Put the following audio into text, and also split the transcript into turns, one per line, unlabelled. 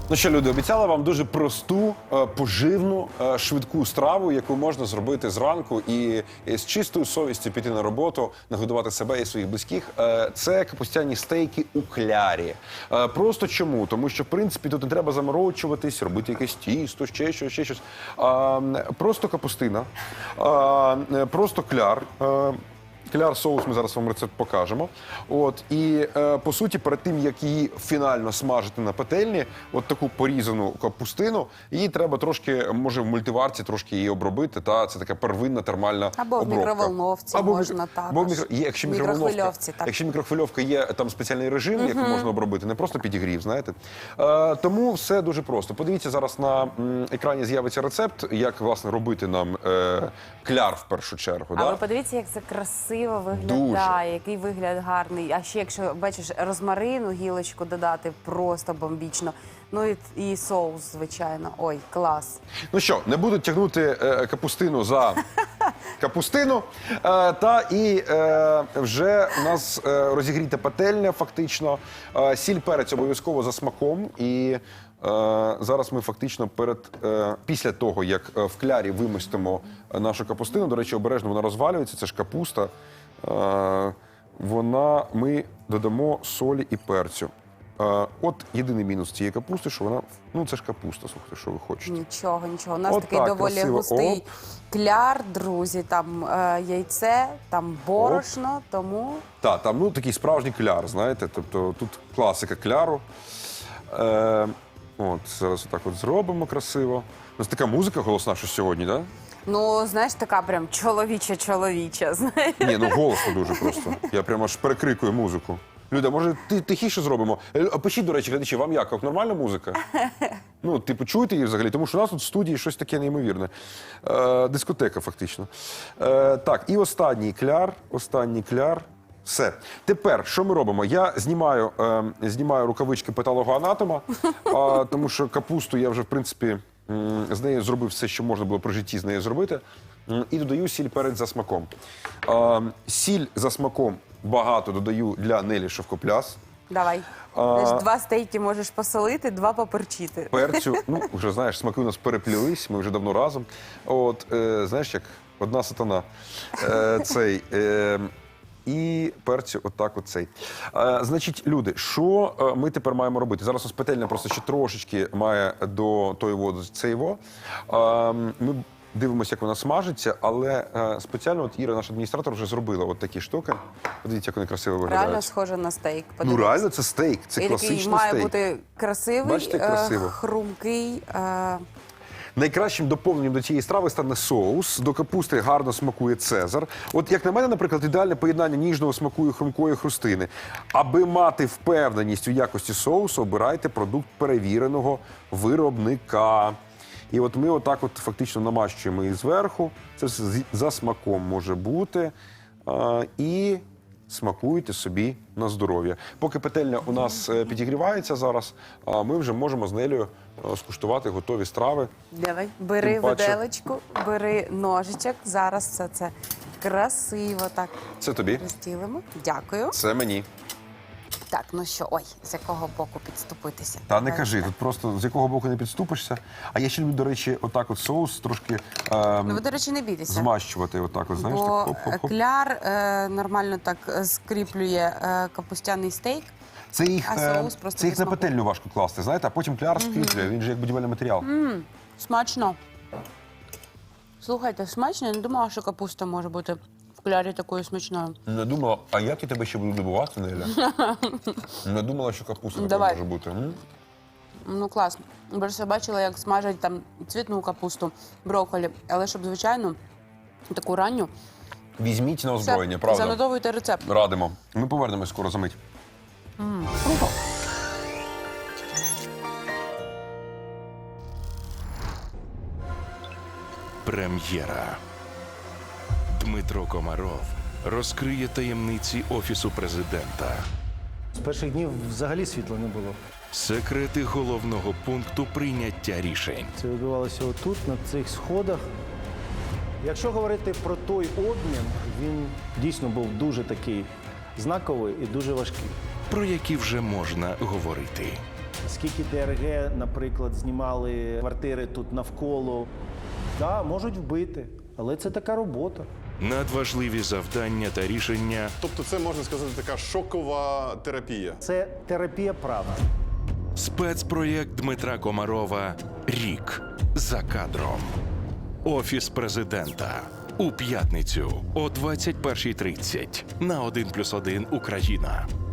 Ну що, люди, обіцяла вам дуже просту, поживну, швидку страву, яку можна зробити зранку і з чистою совістю піти на роботу, нагодувати себе і своїх близьких. Це капустяні стейки у клярі. Просто чому? Тому що, в принципі, тут не треба заморочуватись, робити якесь тісто, ще щось. Просто капустина, просто кляр. Кляр-соус, ми зараз вам рецепт покажемо. І, по суті, перед тим, як її фінально смажити на пательні, от таку порізану капустину, її треба трошки, може, в мультиварці трошки її обробити, це така первинна термальна
або
обробка.
Або в мікроволновці можна також.
Якщо мікрохвильовка є, там спеціальний режим, який можна обробити, не просто підігрів, знаєте. Тому все дуже просто. Подивіться, зараз на екрані з'явиться рецепт, як, власне, робити нам кляр в першу чергу.
А ви подивіться, як це красиво виглядає, який вигляд гарний. А ще, якщо, бачиш, розмарину, гілочку додати, просто бомбічно. Ну і соус, звичайно. Ой, клас.
Ну що, не буду тягнути капустину за капустину. Вже у нас розігріта пательня, фактично. Сіль, перець обов'язково за смаком. І зараз ми фактично після того, як в клярі вимостимо нашу капустину, до речі, обережно вона розвалюється, це ж капуста, ми додамо солі і перцю. От єдиний мінус цієї капусти, що вона, це ж капуста, слухайте, що ви хочете.
Нічого. У нас такий доволі густий кляр, друзі, там яйце, там борошно, тому...
Так, там такий справжній кляр, знаєте, тобто тут класика кляру. Зараз отак зробимо красиво. У нас така музика голосна, що сьогодні, так?
Ну, знаєш, така прям чоловіча, знаєш.
Ні, голосно дуже просто. Я прямо аж перекрикую музику. Люда, може, тихіше зробимо? Пишіть, до речі, глядачі, вам як нормальна музика? Чуєте її взагалі? Тому що у нас тут в студії щось таке неймовірне. Дискотека, фактично. Так, і останній кляр. Все. Тепер, що ми робимо? Я знімаю рукавички патологоанатома, тому що капусту я вже, в принципі, з нею зробив все, що можна було при житті з нею зробити. І додаю сіль, перець за смаком. Сіль за смаком багато додаю для Нелі Шовкопляс.
Давай. 2 стейки можеш посолити, 2 поперчити.
Перцю, вже, знаєш, смаки у нас переплілись, ми вже давно разом. Знаєш, як одна сатана. І перцю цей. Значить, люди, що ми тепер маємо робити? Зараз у нас пательня просто ще трошечки має до тої води цейво. Ми дивимося, як вона смажиться, але спеціально Іра, наш адміністратор, вже зробила такі штуки. Подивіться, як вони красиво виглядають.
Реально схоже на стейк.
Реально це стейк, це класичний стейк.
Має бути красивий,
бачите, красиво.
хрумкий.
Найкращим доповненням до цієї страви стане соус. До капусти гарно смакує цезар. От, як на мене, наприклад, ідеальне поєднання ніжного смаку і хрумкої хрустини. Аби мати впевненість у якості соусу, обирайте продукт перевіреного виробника. І от ми фактично намащуємо її зверху. Це все за смаком може бути. І смакуйте собі на здоров'я. Поки пательня у нас підігрівається зараз, ми вже можемо з Нелею скуштувати готові страви.
Давай, бери виделочку, бери ножичок. Зараз все це красиво так.
Це тобі.
Розділимо. Дякую.
Це мені.
Так, ну що, з якого боку підступитися?
Та не кажи, тут просто з якого боку не підступишся. А я ще люблю, до речі, соус трошки
ви, до речі, не бійтеся.
Змащувати знаєш,
бо
так, хоп-хоп-хоп.
Кляр нормально так скріплює капустяний стейк.
Це їх на пательню важко класти, знаєте, а потім кляр скріплює, він же як будівельний матеріал.
Смачно. Слухайте, смачно, я не думала, що капуста може бути в клярі такою смачною.
Не думала, а як я тебе ще буду добувати, Неля? Не думала, що капуста така може бути.
Ну, класно. Просто бачила, як смажать там цвітну капусту, брокколі, але щоб, звичайно, таку ранню.
Візьміть на озброєння, правда?
Занотовуйте рецепт.
Радимо. Ми повернемось скоро за мить.
Прем'єра. Дмитро Комаров розкриє таємниці Офісу Президента.
З перших днів взагалі світла не було.
Секрети головного пункту прийняття рішень.
Це відбувалося отут, на цих сходах. Якщо говорити про той обмін, він дійсно був дуже такий знаковий і дуже важкий.
Про які вже можна говорити.
скільки ДРГ, наприклад, знімали квартири тут навколо. Так, можуть вбити, але це така робота.
Надважливі завдання та рішення
Тобто це, можна сказати, така шокова терапія.
Це терапія правди.
Спецпроєкт Дмитра Комарова «Рік за кадром». Офіс президента. У п'ятницю о 21:30 на 1+1 Україна.